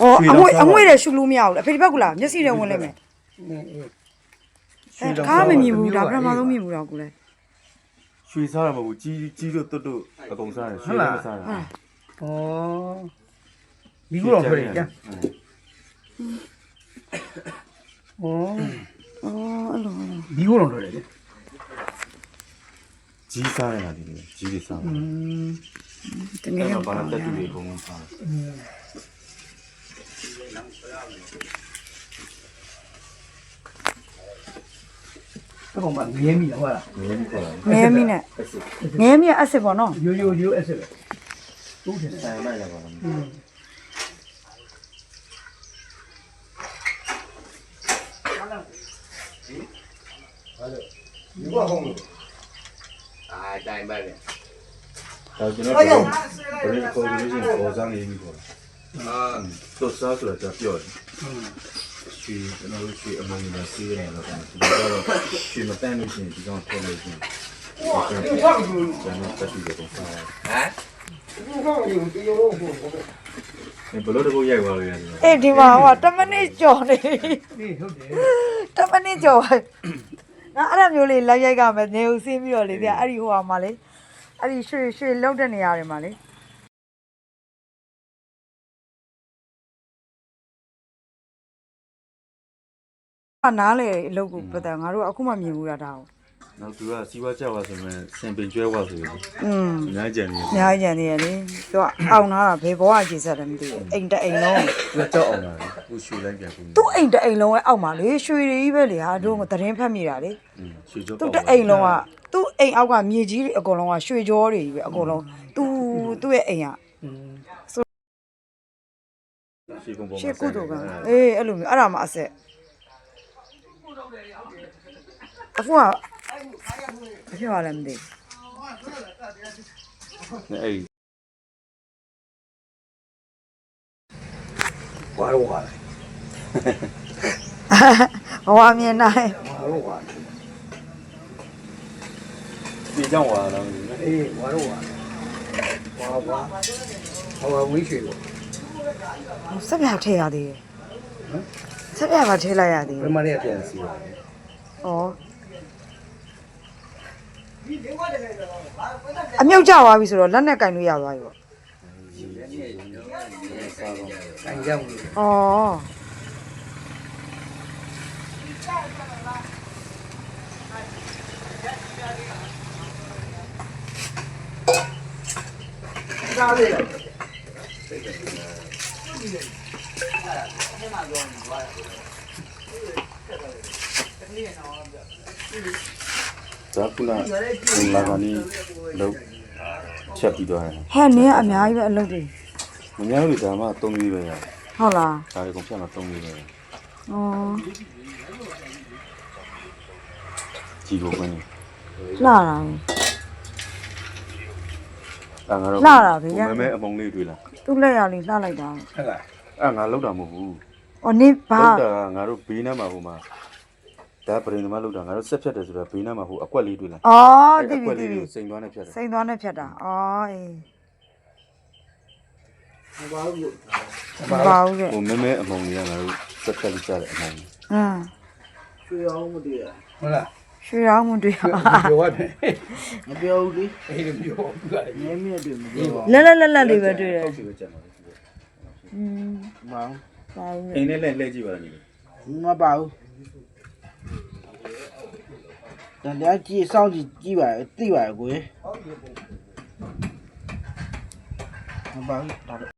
哦，阿妹的修路苗了，陪你别过来，你谁人问来没？哎，他们米不，他不嘛都米不了过来。 水啥了嘛？鸡肉都阿公啥的，水啥的。 哦，米糊弄出来的。哦，米糊弄出来的。 鸡啥的那里？鸡的啥？ 等下把它带去给公啥？ 这个嘛，粘米的话啦。 粘米呢？粘米二十包喏。 有二十个。都是的。 卖了吧？ တိုင်းပဲလေကျွန်တော်တို့ဘယ်လိုခေါ်လို့ရှိရင်ပေါ်စားနေပြီပေါ့တော့စားဆိုတာကြပြောတယ်ရွှေကျွန်တော်တို့ရွှေအမုံနဲ့ဆေးနေတော့ကျွန်တော်တို့ရွှေမတန်းလို့ရှိရင်ဒီကောင်ထွက်လို့ရှိရင်ကျွန်တော်တက်ပြီးတော့စားတယ်ဘယ်လိုတော့ရိုက်သွားလို့ရတယ်哎，对嘛，我他们那叫呢， ဟုတ်တယ်他们那叫。那阿拉မျိုးလေးလိုက်ရိုက်ကမယ်နေဦးစင်းပြီးတော့လေတဲ့အဲ့ဒီဟိုဟာမှာလေအဲ့ဒီရွှေလောက်တဲ့နေရာတွေမှာလေနားလေအလုပ်ကိုပတ်တယ်ငါတို့အခုမှမြင်ဘူးတာဒါကိုနောက်သူကစီးပွားကြောက်ပါဆိုရင်စင်ပင်ကျွဲဝါဆိုရင်အများကြီးကြံနေအများကြီးကြံနေရလေသူကအောင်နာတာဘယ်ဘောကခြေဆက်တယ်မသိဘူးအိမ်တအိမ်လုံးသူကကြောက်အောင်လာကိုရွှေလိုက်ပြန်ပြီသူ့အိမ်တအိမ်လုံးရဲ့အောက်မှာလေရွှေတွေကြီးပဲလေဟာတို့ကသတင်းဖတ်မိတာလေရွှေကြောက်သူ့တအိမ်လုံးကသူ့အိမ်အောက်ကမြေကြီးတွေအကုန်လုံးကရွှေကြောတွေကြီးပဲအကုန်လုံးသူ့ရဲ့အိမ်ကရှေ့ကုသိုလ်ကအေးအဲ့လိုမျိုးအဲ့ဒါမှအဆက်အခုကဘာဖြစ်သွားလဲမသိအဲ့ဝါရောဝါဘဝမြင်နိုင်ဝါရောဝါဒီကြောင့်ဝါလာအေးဝါရောဝါဝါဝင်းရွှေကိုဆက်ပြထည့်ရသေးတယ်ဆက်ပြပါထည့်လိုက်ရသေးတယ်ဘယ်မှာလဲပြန်စီပါဩအမြုပ်ကြသွားပြီဆိုတော့လက်နဲ့ကင်လို့ရသွားပြီပေါ့ကန်ကြောင်သားလေးဒါကုလားလာကနေလောက်ချက်ပြီးတော့ဟဲ့နင်းကအများကြီးပဲအလုပ်တွေမများဘူးဒါမှ3ပြီးပဲရဟုတ်လားဒါတွေကုန်ဖြတ်မှာ3ပြီးပဲဩကြည်ကိုကွင်းလာတာငါတို့မဲအမုံလေးတွေ့လားသူ့လက်ရလေးလှလိုက်တာဟုတ်လားငါလောက်တာမဟုတ်ဘူးဩနင်းဘာလောက်တာငါတို့ဘေးနားမှာဟိုမှာဒါပရင်သမားလောက်တာငါတို့ဆက်ဖြတ်တယ်ဆိုတော့ဘေးနားမှာဟိုအကွက်လေးတွေ့လားဩတိပြီတိပြီစိန်သွားနဲ့ဖြတ်တယ်စိန်သွားနဲ့ဖြတ်တာဩအေးဘာလို့ဘာဘူးကဲဟိုမဲအမုံလေးကငါတို့ဆက်ဖြတ်လိုက်ကြတယ်အမုံရွှေအောင်မတည်ရဟုတ်လားရွှေရောင်းမတွေ့ရပြောရတယ်မပြောဘူးလေအေးပြောဘူးလားနည်းမြတ်တွေမပြောပါလက်လေးပဲတွေ့တယ်ဟုတ်ပြီကြမ်းပါမအောင်ဘာဘူးအိမ်နဲ့လှည့်ကြည့်ပါလားညီမပါဘူးတရားကြည့်စောင့်ကြည့်ပါသိပါကိုမပါဘူး